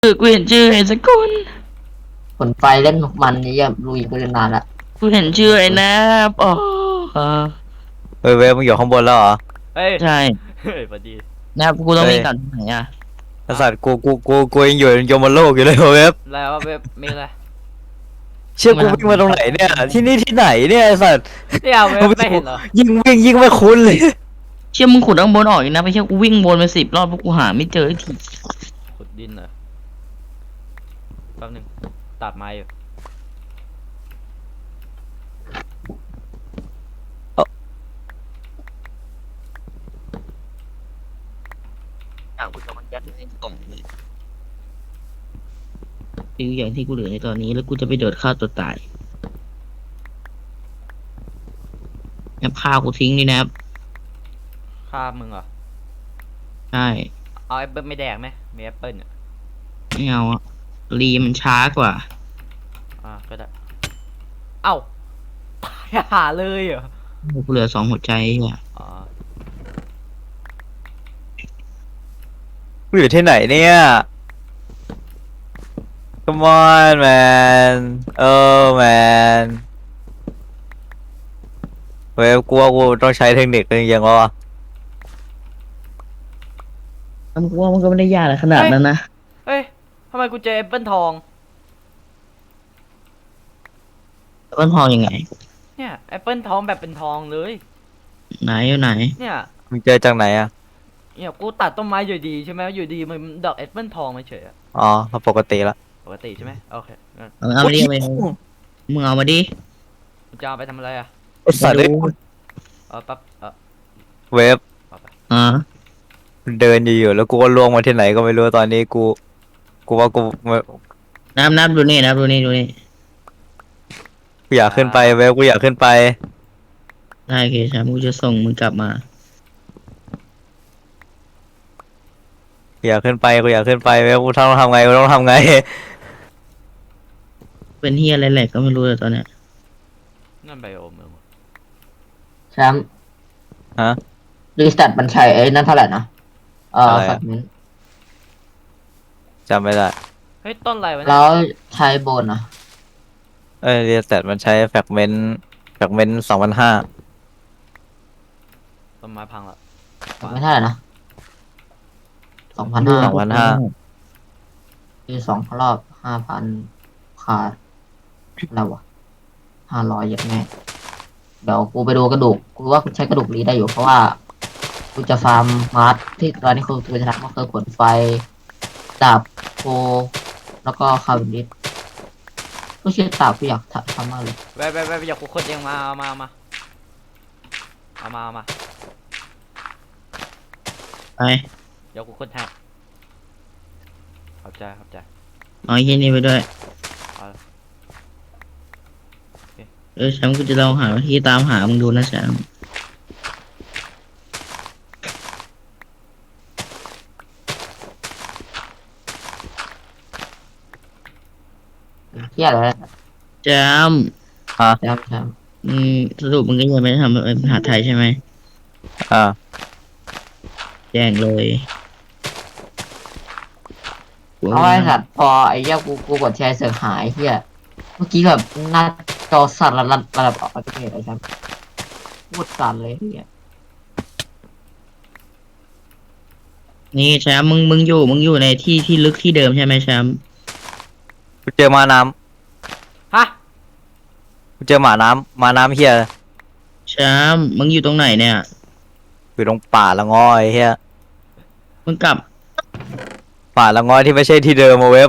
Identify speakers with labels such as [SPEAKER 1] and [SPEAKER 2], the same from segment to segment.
[SPEAKER 1] กูเห็นชื่อไอ้สักคน
[SPEAKER 2] ผลไฟเล่นมันนี่ยังลุยไปนานละ
[SPEAKER 1] กูเห็นชื่อไอ้นะอ๋อ
[SPEAKER 3] เฮ้ยเว็บมึงอยู่ข้างบนแล้วเหรอ
[SPEAKER 4] เฮ้ย
[SPEAKER 1] ใช่
[SPEAKER 4] เฮ้ยพอดี
[SPEAKER 1] นะกูต้อง
[SPEAKER 3] เฮ้ย
[SPEAKER 1] วิ่งกลับที่ไหนอ่ะ
[SPEAKER 3] ไอ้สัตว์กูยังอยู่ยมโลกอยู่เลยเว็บ
[SPEAKER 4] แล้วเว็บมีอะไร
[SPEAKER 3] เชื่อกูวิ่งมาตรงไหนเนี่ยที่นี่ที่ไหนเนี่ยไอ้สัตว์
[SPEAKER 4] เนี่ยเว็บไม่เห็นเหรอ
[SPEAKER 3] ยิ่งวิ่งยิ่งไม่คุ้นเลย
[SPEAKER 1] เชื่อมึงขุดข้างบนออกอีกนะไม่ใช่กูวิ่งวนไป10 รอบเพราะกูหาไม่เจอไอ้ที
[SPEAKER 4] ขุดดินเหรอแป๊บนึงตัดไม้อยู่
[SPEAKER 1] กูจะมันยัดในกล่องเลยคืออย่างที่กูเหลือในตอนนี้แล้วกูจะไปโดดฆ่าตัวตายแอปฆ่ากูทิ้งนี่นะครับ
[SPEAKER 4] ฆ่ามึงเหรอ
[SPEAKER 1] ใช่
[SPEAKER 4] เอาแอปเปิ้ลไม่แดกไหมมีแอปเปิ้ลอ่ะ
[SPEAKER 1] ไม่เอาอะรีมันช้ากว่า
[SPEAKER 4] ก็ได้เอ้าตายหาเลยเหรอ
[SPEAKER 1] กูเหลือ2 หัวใจอ่ะ
[SPEAKER 4] อ๋อ
[SPEAKER 3] กูอยู่ที่ไหนเนี่ย Come on man oh man เว็บกูว่ากูต้องใช้เทคนิคจริงๆวะ
[SPEAKER 1] มันกูว่ามันก็ไม่ได้ยากอะไรขนาดนั้นนะ
[SPEAKER 4] เฮ้ยทำไมกูเจอแอปเปิ้ลทอง
[SPEAKER 1] ต้นทองยังไง
[SPEAKER 4] เนี่ยแอปเปิ้ลทองแบบเป็นทองเลย
[SPEAKER 1] ไหนอยู่ไหน
[SPEAKER 4] เนี่ย
[SPEAKER 3] มึงเจอจากไหนอ่ะ
[SPEAKER 4] เนี่ยกูตัดต้นไม้อยู่ดีใช่ไหมอยู่ดีมันดอกแอปเปิ้ลทองมาเฉยอะ
[SPEAKER 3] อ๋อปกติละ
[SPEAKER 4] ปกติใช่ไหมโอเคงั้น
[SPEAKER 1] เอามาดิเอามาดิมึงเอามาดิ
[SPEAKER 4] มึงจะเอาไปทำอะไรอ่ะ
[SPEAKER 3] ไอ้สัตว์
[SPEAKER 1] ไม่
[SPEAKER 3] เอ้ย
[SPEAKER 1] รู้
[SPEAKER 4] ปั๊บ
[SPEAKER 3] เว็บ
[SPEAKER 4] เอาไป
[SPEAKER 1] อ่า
[SPEAKER 3] เดินอยู่ๆแล้วกูก็ล่วงมาที่ไหนก็ไม่รู้ตอนนี้กูว่ากู
[SPEAKER 1] นับดูนี่นับดูนี่ดูนี่
[SPEAKER 3] อยากขึ้นไปเว็บกูอยากขึ้นไป
[SPEAKER 1] ได้โอเคใช่กูจะส่งมึงกลับมา
[SPEAKER 3] อยากขึ้นไปกูอยากขึ้นไปเว็บกูต้องทำไงกูต้องทำไง
[SPEAKER 1] เป็นเฮียอะไรแหละก็ไม่รู้เลยตอนเนี้ย
[SPEAKER 4] นั่นไบโอมึง
[SPEAKER 2] แชมป์
[SPEAKER 3] ฮะ
[SPEAKER 2] รีสตาร์ทมันใช้ไอ้นั่นเท่าไหร่นะ
[SPEAKER 3] อะไรอะ
[SPEAKER 2] สักนิด
[SPEAKER 3] จำไม่ได้
[SPEAKER 4] เฮ้ยต้นอะไรวะเนี่
[SPEAKER 2] แล้
[SPEAKER 4] ยว
[SPEAKER 2] ใช้โบนอ่ะ
[SPEAKER 3] เรียสแตทมันใช้แฟกเมนต์2005
[SPEAKER 4] ต้นไม้พังละ
[SPEAKER 2] ไม่เท่าไหร่นะ2,500
[SPEAKER 3] 2005
[SPEAKER 2] คือ2 รอบ 5,000ขาดแล้ววะ500อย่างแน่เดี๋ยวกูไปดูกระดูกกูว่ากูใช้กระดูกรีได้อยู่เพราะว่ากูจะฟาร์มมาร์ทที่ตอนนี้กูจะทำก็คือขนไฟดาบโคแล้วก็คาร์บิดิสก็เชื่อดาบกูอยากทำมากเลย
[SPEAKER 4] แวะอยากกูคนเองมาเอามา
[SPEAKER 1] ไป
[SPEAKER 4] เดี๋ยวกูคนให้ขอบใจ
[SPEAKER 1] เอาไอ้เฮียนี่ไปด้วย
[SPEAKER 4] เอาละโอเค
[SPEAKER 1] แชมป์กูจะลองหาที่ตามหามึงดูนะแชมป์
[SPEAKER 2] เที่ยอะไร
[SPEAKER 1] แชมป์
[SPEAKER 2] แชมป์
[SPEAKER 1] สรุปมึงก็ยังไม่ได้ทำเป็นมหาไทยใช่ไหม
[SPEAKER 3] อ่า
[SPEAKER 1] แจ้งเลย
[SPEAKER 2] เอาไอ้สัตว์พอไอ้เหี้ยกูกดแชร์เสือกหายเหี้ยเมื่อกี้แบบหน้าจอสั่นระดับออกประเทศไอ้แชมป์พูดสั่นเลยเหี้ย
[SPEAKER 1] นี่แชมป์มึงอยู่ในที่ลึกที่เดิมใช่ไหมแชมป์
[SPEAKER 3] กูเจอมาน้
[SPEAKER 4] ฮะ
[SPEAKER 3] ำกูเจอหมาน้ำเฮีย
[SPEAKER 1] แชมป์มึงอยู่ตรงไหนเนี่ย
[SPEAKER 3] อยู่ตรงป่าละงอยเฮีย
[SPEAKER 1] มึงกลับ
[SPEAKER 3] ป่าละงอยที่ไม่ใช่ที่เดิมมาเว็บ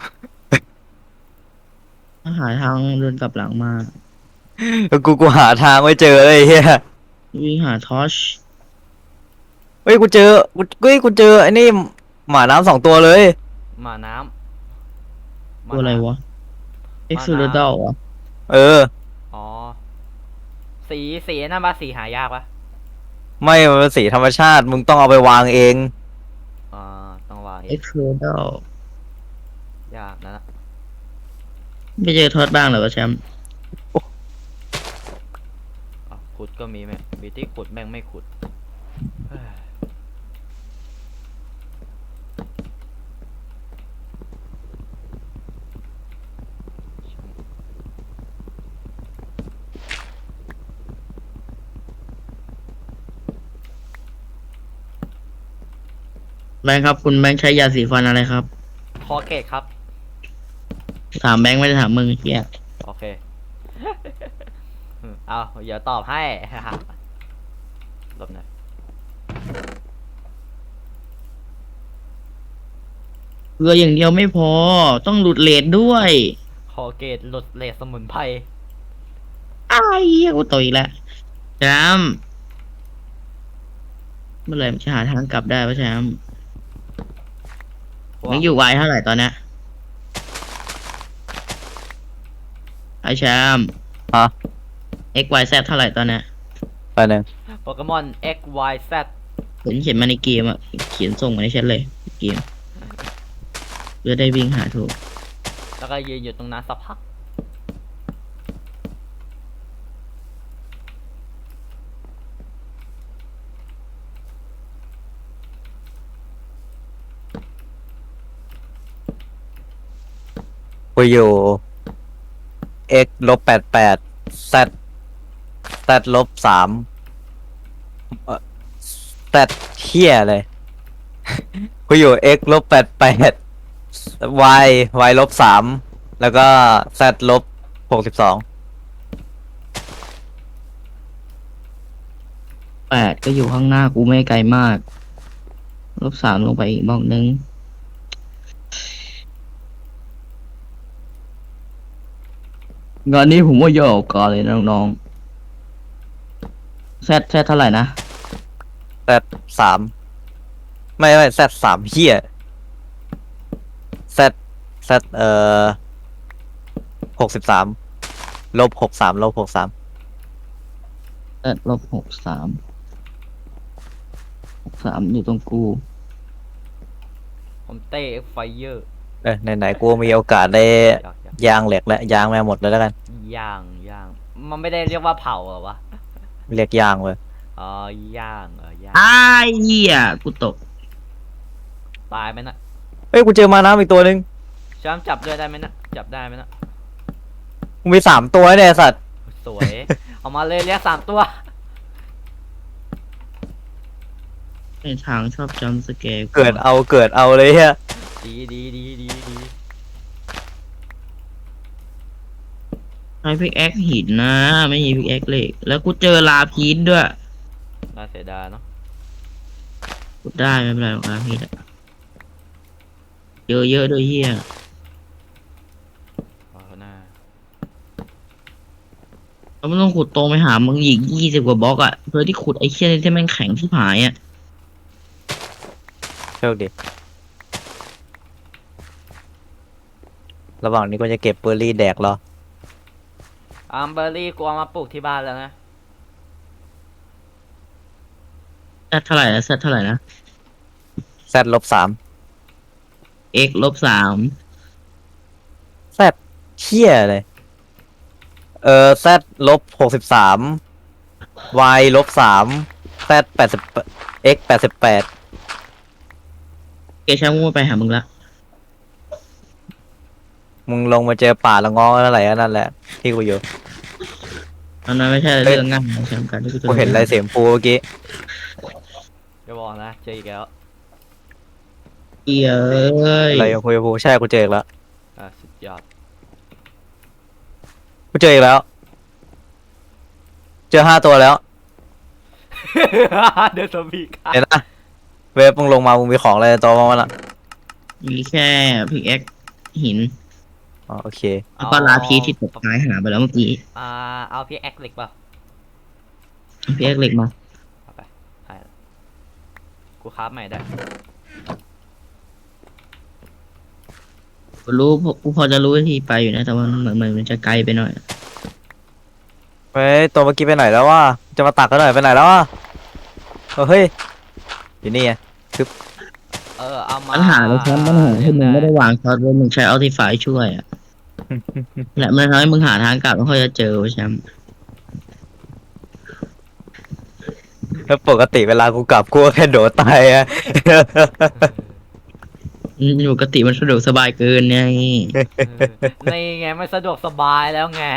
[SPEAKER 1] หาทางเดินกลับหลังมา
[SPEAKER 3] กูหาทางไม่เจอเลยเฮีย
[SPEAKER 1] วิ่งหาทอช
[SPEAKER 3] เฮ้ยกูเจอไอ้นี่หมาน้ำ2 ตัวเลย
[SPEAKER 4] หมาน้ำ
[SPEAKER 1] ตัวอะไรวะเอ็กซ์ซูเดอร์วะ
[SPEAKER 3] เออ
[SPEAKER 4] อ๋อสีนั่นปะสีหายากปะ
[SPEAKER 3] ไม่มันเป็นสีธรรมชาติมึงต้องเอาไปวางเอง
[SPEAKER 4] ต้องวาง
[SPEAKER 1] เอ็กซ์ซูเดอร์
[SPEAKER 4] ยากนะ
[SPEAKER 1] ไม่เจอทอดบ้างเหรอวะแชมป์
[SPEAKER 4] ขุดก็มีไหมมีที่ขุดแม่งไม่ขุดเฮ้ย
[SPEAKER 1] แบงค์ครับคุณแบงค์ใช้ยาสีฟันอะไรครับ
[SPEAKER 4] คอเกตครับ
[SPEAKER 1] ถามแบงค์ไม่ได้ถามมึงเฮีย
[SPEAKER 4] โอเค เอาเดี๋ยวตอบให้ หลบหน่อย
[SPEAKER 1] เกลืออย่างเดียวไม่พอ ต้องหลุดเลทด้วย
[SPEAKER 4] คอเกตหลุดเลสสมุนไพร
[SPEAKER 1] อ้ายเหี้ยกูต่อยอีกแล้วแชมป์เมื่อไหร่มันจะหาทางกลับได้วะแชมป์มึงอยู่ไวเท่าไหร่ตอนเนี้ยไอแชมป์
[SPEAKER 3] ฮะ
[SPEAKER 1] XYZ เท่าไหร่ตอนเนี้ย
[SPEAKER 3] ไปหนึ่ง
[SPEAKER 4] โปเกมอน X Y Z
[SPEAKER 1] เขียนมาในเกมอะเขียนส่งมาในแชทเลยเกมเพื่อได้วิ่งหาถูก
[SPEAKER 4] แล้วก็ยืนอยู่ตรงนั้นสักพัก
[SPEAKER 3] กูอยู่ x ลบ88 z z ลบ3z เที่ยเลย กูอยู่ x ลบ88 y y ลบ3แล้วก็ z ลบ62
[SPEAKER 1] 8ก็อยู่ข้างหน้ากูไม่ไกลมาก-3ลงไปอีกบล็อกนึงงานนี้ผมว่าย่อก่อนเลยนะน้องๆแซดเท่าไหร่นะ
[SPEAKER 3] z ไม่ z 3เที่ย z 63ลบ63ลบ63
[SPEAKER 1] แซด-63อยู่ตรงกู
[SPEAKER 4] ผมเต้ X Fire
[SPEAKER 3] ไหนๆกูมีโอกาสได้ยางเหล็กและยางแม่หมดเลยแล้วกัน
[SPEAKER 4] ย่างย่าง มันไม่ได้เรียกว่าเผาเหรอวะ
[SPEAKER 3] เรียกยางเลย
[SPEAKER 4] อ๋อย่างย่าง
[SPEAKER 1] อ้ายเหี้ยกูตก
[SPEAKER 4] ตายไหมนะ
[SPEAKER 3] เอ้ยกูเจอมาน้ำอีกตัวหนึ่ง
[SPEAKER 4] แชมป์จับด้วยได้ไหมนะ จับได้ไหมนะ
[SPEAKER 3] กูมี3ตัวเนี่ยไอ้สัตว์
[SPEAKER 4] สวย เอามาเลยเรียก3 ตัว
[SPEAKER 1] ในทางชอบจำสเกล
[SPEAKER 3] เกิดเอาเลยเฮีย
[SPEAKER 4] ดี
[SPEAKER 1] ใช้พิกแอคหินนะ ไม่มีพิกแอคเหล็ก แล้วกูเจอลาพีชด้วย
[SPEAKER 4] น่าเสียดายเนาะ
[SPEAKER 1] กูได้ไม่เป็นไรหรอกลาพีชอะเยอะด้วยเหี้ย
[SPEAKER 4] เอาหน้า
[SPEAKER 1] เราไม่ต้องขุดตรงไปหามึงอีก20 กว่าบล็อกอะเพื่อที่ขุดไอ้เชี่ยนี่ที่แม่งแข็งที่ผายอะ
[SPEAKER 3] โชคดีระหว่างนี้ก็จะเก็บเบอร์รี่แดกรอ
[SPEAKER 4] อัมเบอร์รี่กูเอามาปลูกที่บ้านแล้วนะ
[SPEAKER 1] แซดเท่าไหร่นะแซดเท่าไหร่นะ
[SPEAKER 3] z ลบ3
[SPEAKER 1] x -3
[SPEAKER 3] z เที่ยเลยz ลบ63 y ลบ3 z 80 x 88
[SPEAKER 1] เกช่างกูไปหามึงละ
[SPEAKER 3] มึงลงมาเจอป่าละง้ออะไรนั่นแหละที่กูอยู่
[SPEAKER 1] อันนั้นไม่ใช่เรื่องง่ายนะแชมป์กันที่กูจะ
[SPEAKER 3] กูเห็นลายเสียงปูเมื่อกี้
[SPEAKER 4] จะบอกนะ เจออีกแล้ว
[SPEAKER 1] เหี้ยเอ้ย
[SPEAKER 3] อะไรของคุยกับปูใช่กูเจออีกแล้ว
[SPEAKER 4] สุดยอด
[SPEAKER 3] กูเจออีกแล้ว เจอ5 ตัวแล้ว
[SPEAKER 4] เดนสบีก
[SPEAKER 3] เห็นนะเวฟมึงลงมามึงมีของอะไรในตัวมั้งล่ะ
[SPEAKER 1] มีแค่พิกแอคหิน
[SPEAKER 3] อ๋อโอเค
[SPEAKER 1] แล้วก็ลาพีชที่ตกท้ายหาไปแล้วเมื่อกี้
[SPEAKER 4] เอาพี่แอคเหล็กเปล่า
[SPEAKER 1] พิกแอคเหล็กมา
[SPEAKER 4] เอาไปให้ละกูคราฟใหม่ได้
[SPEAKER 1] กูพอจะรู้วิธีไปอยู่นะแต่ว่าเหมือนมันจะไกลไปหน่อย
[SPEAKER 3] เฮ้ยตัวเมื่อกี้ไปไหนแล้ววะจะมาตักกันหน่อยไปไหนแล้ววะเฮ้ยอยู่นี่ไง
[SPEAKER 4] เอามา
[SPEAKER 1] ปัญหาเลยครับปัญหาที่มึงไม่ได้วางช็อตไว้มึงใช้อัลติฟายช่วยอ่ะ และมันทำให้มึงหาทางกลับไม่ค่อยจะเจอเว้ยแชมป์
[SPEAKER 3] แล้วปกติเวลากูกลับกูก็แค่โดดตายอะ
[SPEAKER 1] อยู่ปกติมันสะดวกสบายเกินไง
[SPEAKER 4] ในไงไม่สะดวกสบายแล้วไง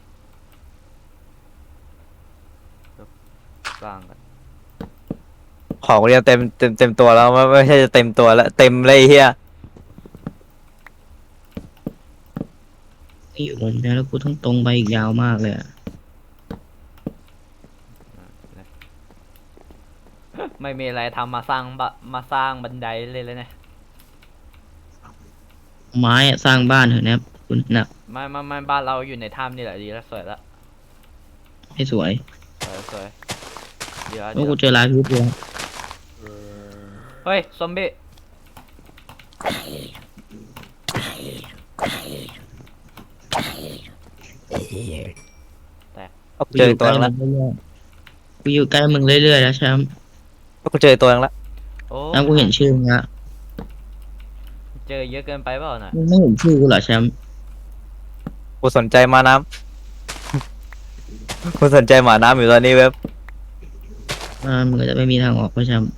[SPEAKER 4] สร้างกัน
[SPEAKER 3] ของเรียนเต็มตัวแล้วไม่ใช่จะเต็มตัวแล้วเต็มเลยไอ้เฮีย
[SPEAKER 1] อยู่บนนี้แล้วกูต้องตรงไปอีกยาวมากเลยอะ
[SPEAKER 4] ไม่มีอะไรทำมาสร้างมาสร้างบันไดเลยนะ
[SPEAKER 1] ไม้อะสร้างบ้านเถอะนะคุณนะ
[SPEAKER 4] ไม่บ้านเราอยู่ในถ้ำนี่แหละดีแล้วสวยละ
[SPEAKER 1] ให้สวย
[SPEAKER 4] สวยเดี๋ยว
[SPEAKER 1] แล้วกูเจอลายพิษเลย
[SPEAKER 4] เฮ้ยซอมบี้
[SPEAKER 1] กู
[SPEAKER 3] เจ
[SPEAKER 1] อ
[SPEAKER 3] อยู่
[SPEAKER 1] ใก
[SPEAKER 3] ตัว
[SPEAKER 1] ล้
[SPEAKER 3] นึง
[SPEAKER 1] มึ
[SPEAKER 3] แล้ว
[SPEAKER 1] งเรื่อยๆกูอยู่ใกล้มึงเรื่อยๆแล้วแชมป์
[SPEAKER 3] กูเจอตัวนึงแล้ว
[SPEAKER 4] โอ้
[SPEAKER 1] แล้วกูเห็นชื่อมึงละ
[SPEAKER 4] เจอเยอะเกินไปเปล่าน่ะ
[SPEAKER 1] มึงไม่เห็นชื่อกูเหรอแชมป์
[SPEAKER 3] กูสนใจมาน้ำกูสนใจหมาน้ำอยู่ตอนนี้เว็บ
[SPEAKER 1] มึงก็จะไม่มีทางออกเพราะแชมป์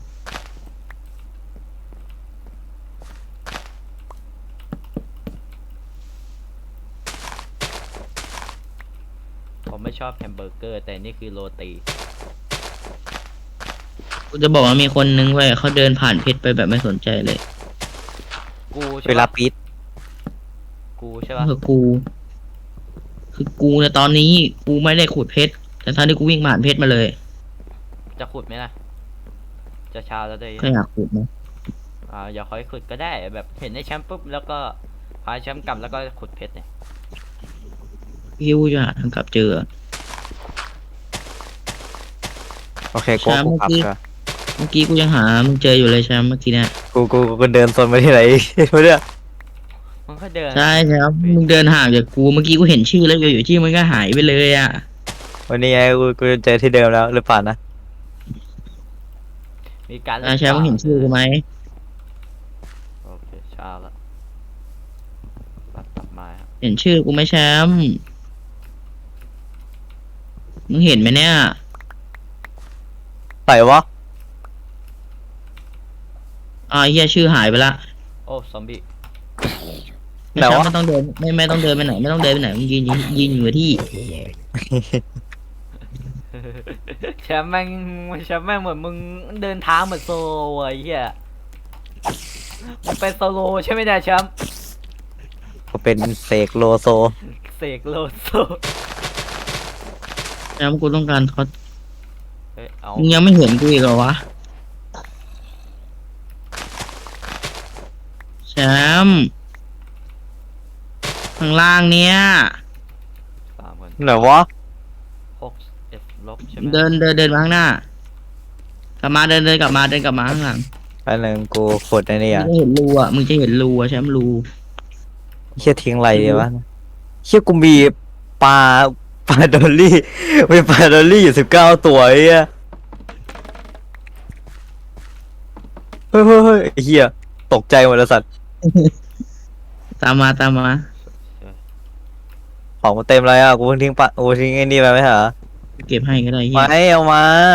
[SPEAKER 4] ผมไม่ชอบแฮมเบอร์เกอร์ แต่นี่คือโรตี
[SPEAKER 1] กูจะบอกว่ามีคนนึงเว้ยเขาเดินผ่านเพชรไปแบบไม่สนใจเลย
[SPEAKER 4] กูใช่
[SPEAKER 3] เวลา
[SPEAKER 4] ปะ
[SPEAKER 3] ปีด
[SPEAKER 4] กูใช่ปะ
[SPEAKER 1] คือกูในตอนนี้กูไม่ได้ขุดเพชรแต่ตอนที่กูวิ่งผ่านเพชรมาเลย
[SPEAKER 4] จะขุดไหมล่ะ จะเช้าแล้วได้
[SPEAKER 1] ก็อยากขุดนะ
[SPEAKER 4] อย่าค่อยขุดก็ได้แบบเห็นไอ้แชมป์ปุ๊บแล้วก็พาแชมป์กลับแล้วก็ขุดเพชรเนี่ย
[SPEAKER 1] พี่กูจะหาทางกลับเจอ
[SPEAKER 3] โอเคกู
[SPEAKER 1] ใช่
[SPEAKER 3] กูขับ
[SPEAKER 1] เมื่อกี้
[SPEAKER 3] ก่อน
[SPEAKER 1] เมื่อกี้กูยังหามึงเจออยู่เลยแชมป์เมื่อกี้เนี่ย
[SPEAKER 3] กูเดินโซนไปที่ไหน ไม่รู้
[SPEAKER 4] มันก็เดิน
[SPEAKER 1] ใช่แชมป์มึงเดินห่างจากกูเมื่อกี้กูเห็นชื่อแล้วอยู่ที่มันก็หายไปเลยอ่ะ
[SPEAKER 3] วันนี้ไงกูเจอที่เดิมแล้วหรือเปล่านะ
[SPEAKER 4] มีการ
[SPEAKER 1] แชมป์มึงเห็นชื่อกูไหม
[SPEAKER 4] โอเคเช้าแล้วตัดไม้ครับ
[SPEAKER 1] เห็นชื่อกูไหมแชมป์มึงเห็นไหมเนี่ย
[SPEAKER 3] ใส่วะ
[SPEAKER 1] เฮียชื่อหายไปละ
[SPEAKER 4] โอ้ซอมบี้
[SPEAKER 3] ไหน
[SPEAKER 1] แชมป์
[SPEAKER 3] วะ
[SPEAKER 1] ไม่ต้องเดินไม่ต้องเดินไปไหนไม่ต้องเดินไปไหนมึงยืนอยู่กับที่
[SPEAKER 4] แชมป์แม่งเหมือนมึงเดินทางเหมือนโซโลไอ้เหี้ยมึงเป็นโซโลใช่ไหมเนี่ยแชมป์
[SPEAKER 3] กูเป็นเสกโลโซ
[SPEAKER 4] เสกโลโซ
[SPEAKER 1] แชมป์กูต้องการทอด
[SPEAKER 4] เฮ้ยเอา
[SPEAKER 1] มึงยังไม่เห็นกูอีกเหรอวะแชมป์ข้างล่างเนี้ย
[SPEAKER 4] 3 คน
[SPEAKER 3] ไหนวะ
[SPEAKER 4] 6 ลบใช่ไหม
[SPEAKER 1] เดินมาข้างหน้ากลับมาเดินกลับมาข้างหลัง
[SPEAKER 3] อันหนึ่งกูขุดไอ้นี่
[SPEAKER 1] มึง
[SPEAKER 3] อ่ะ
[SPEAKER 1] จะเห็นรูอ่ะมึงจะเห็นรูอ่ะแชมป์รู
[SPEAKER 3] เชี่ยทิ้งอะไรดีวะเชี่ยกูมีปลาดอลลี่มีปลาดอลลี่อยู่19 ตัวไอ้เหี้ยเฮ้ยไอ้เหี้ยตกใจหมดแล้วสัตว์
[SPEAKER 1] ตามมา
[SPEAKER 3] ของกูเต็มเลยอ่ะกูเพิ่งทิ้งปลากูทิ้งไอ้นี่ไปไหมเหรอ
[SPEAKER 1] เก็บให้ก็ได้เฮี
[SPEAKER 3] มาย ให้เอามา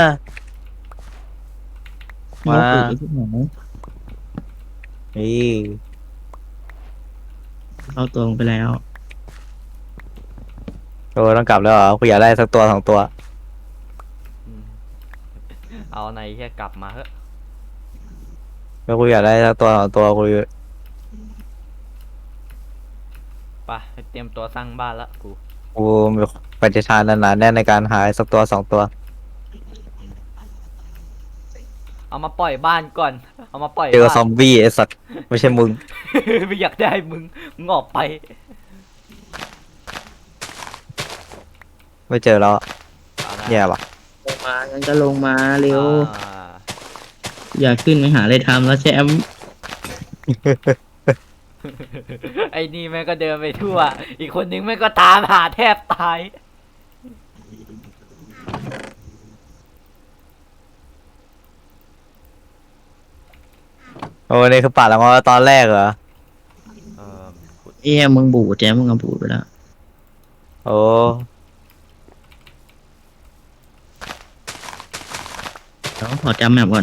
[SPEAKER 1] มึงเอาปลูกไว้ที่ไหน
[SPEAKER 3] นี่
[SPEAKER 1] เข้าตัวลงไปแล้ว
[SPEAKER 3] โอ้ต้องกลับแล้วเหรอกูอยากได้สักตัว2 ตัว
[SPEAKER 4] อืมเอาในเหี้ยกลับมาเถอะ
[SPEAKER 3] แล้วกูอยากได้สักตัว2 ตัวกู
[SPEAKER 4] ไปเตรียมตัวสร้างบ้านละกู
[SPEAKER 3] มีปฏิทานหนาแน่นในการหาสักตัว2 ตัว
[SPEAKER 4] เอามาปล่อยบ้านก่อน เอามาปล่อย
[SPEAKER 3] เจอ
[SPEAKER 4] บ้าน
[SPEAKER 3] ซอมบี้ไอ้สัตว์ไม่ใช่มึง
[SPEAKER 4] ไม่อยากได้มึงออกไป
[SPEAKER 3] ไม่เจอแล้ว
[SPEAKER 4] เอานะ
[SPEAKER 3] แย่ปะ
[SPEAKER 1] ลงมางั้นก็ลงมาเร็ว
[SPEAKER 4] อ่า
[SPEAKER 1] อยากขึ้นไปหาอะไรทำแล้วแชมป์
[SPEAKER 4] ไอ้นี่แม่งก็เดินไปทั่ว อีกคนนึงแม่งก็ตามหาแทบตาย
[SPEAKER 3] โอ้นี่คือป่าละมอตอนแรกเหรอ
[SPEAKER 4] เออขุด
[SPEAKER 1] เอ้ยมึงบูดแจมมึงก็บูดไปแล้ว
[SPEAKER 3] โอ้
[SPEAKER 1] เดี๋ยวขอจำแมปก่อน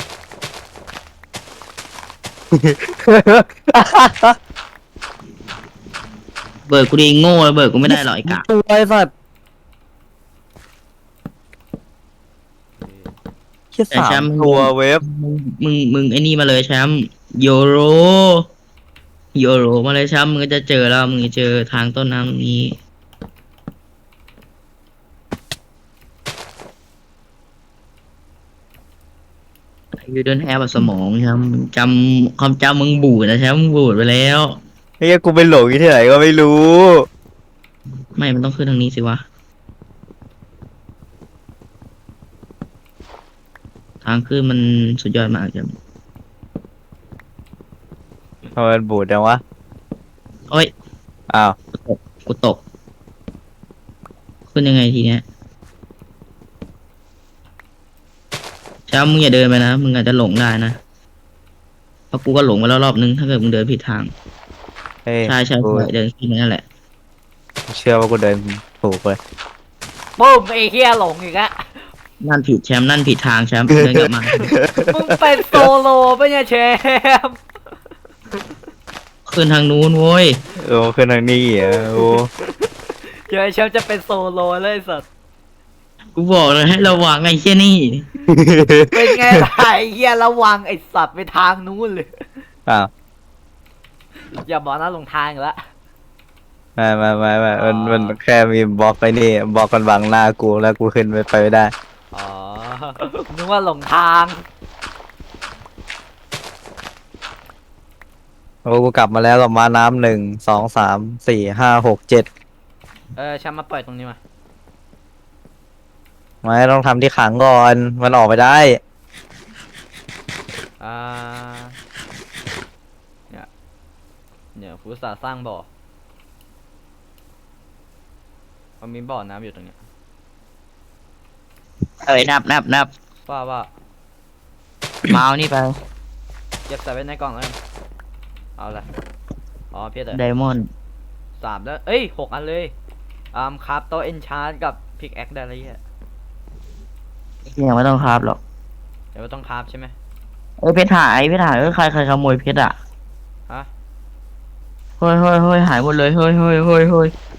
[SPEAKER 1] เบิร์ดกูดีโง่เบิร์ดกูไม่ได้หรอกไอ้กะ
[SPEAKER 3] ตัวไอ้สัตว์แค่
[SPEAKER 1] แต่แช
[SPEAKER 3] สาม
[SPEAKER 1] มป์
[SPEAKER 3] ตัวเว็บ
[SPEAKER 1] มึงไอ้นี่มาเลยแชมป์โยโรมาเลยแชมป์มึงก็จะเจอแล้วมึงจะเจอทางต้นน้ำตรงนี้ยูเดินแฮบสมองแชมป์จำความจำมึงบูดนะแชมป์มึงบูดไปแล้ว
[SPEAKER 3] เฮ้ยกูไปหลงอยู่ที่ไหนก็ไม่รู้
[SPEAKER 1] ไม่มันต้องขึ้นทางนี้สิวะทางขึ้นมันสุดยอดมากแชมป์
[SPEAKER 3] ทำไมมันบูดจังวะ
[SPEAKER 1] โอ้ย
[SPEAKER 3] อ้าว
[SPEAKER 1] กูตกขึ้นยังไงทีเนี้ยแชมป์มึงอย่าเดินไปนะมึงอาจจะหลงได้นะเพราะกูก็หลงไปแล้วรอบนึงถ้าเกิดมึงเดินผิดทาง
[SPEAKER 3] เฮ้ย
[SPEAKER 1] ใช่
[SPEAKER 3] กู
[SPEAKER 1] เดินขึ้นนั่นแหละ
[SPEAKER 3] เชื่อว่ากูเดินถูกเลย
[SPEAKER 4] ปุ้มไอ้เฮียหลงอีกอะ
[SPEAKER 1] นั่นผิดแชมป์นั่นผิดทางแชมป์เดินกลับมา
[SPEAKER 4] มึงเป็นโซโลปะเนี่ยแชมป์
[SPEAKER 1] ขึ้นทางนู้นโว้ย
[SPEAKER 3] โอ้ขึ้นทางนี้อ่ะโอ้
[SPEAKER 4] เดี๋ยวไอ้แชมป์จะเป็นโซโลเลยไอ้สัส
[SPEAKER 1] กูบอกเลยให้ระวังไอ้เชี่ยนี่
[SPEAKER 4] เป็นไงล่ะไอ้เฮียระวังไอ้สัตว์ไปทางนู้นเลย
[SPEAKER 3] อ้าว
[SPEAKER 4] อย่าบอกนะหลงทางอีกแล้ว
[SPEAKER 3] ไม่มันแค่มีบล็อกไปนี่บล็อกกันบังหน้ากูแล้วกูขึ้นไปไม่ได้
[SPEAKER 4] อ๋อ นึกว่าหลงทาง
[SPEAKER 3] โอ้กูกลับมาแล้วกับม้าน้ำ1 2 3 4 5 6 7
[SPEAKER 4] แชมป์มาปล่อยตรงนี้มา
[SPEAKER 3] ไม่ต้องทำที่ขังก่อน มันออกไปได้
[SPEAKER 4] อ่าเนี่ยกูอุตสาห์สร้างบ่อมันมีบ่อน้ำอยู่ตรงเนี้ย
[SPEAKER 1] เอ้ยนับ
[SPEAKER 4] ว่า
[SPEAKER 1] มาเอานี่ไป
[SPEAKER 4] เก็บใส่ไว้ในกล่องแล้วกันเอาละอ๋อเพียร
[SPEAKER 1] ไดมอนด์
[SPEAKER 4] 3แล้วเอ้ย6 อันเลยคราฟโต๊ะเอนชาร์กับพิกแอคได้แล้วเหี้ย
[SPEAKER 1] ยังไม่ต้องคราบหรอก
[SPEAKER 4] เดี๋ยวต้องคราฟใช่ไหม
[SPEAKER 1] เพชรหายใครขโมยเพชรอ่ะ
[SPEAKER 4] ฮะ
[SPEAKER 1] เฮ้ยหายหมดเลยเฮ้ย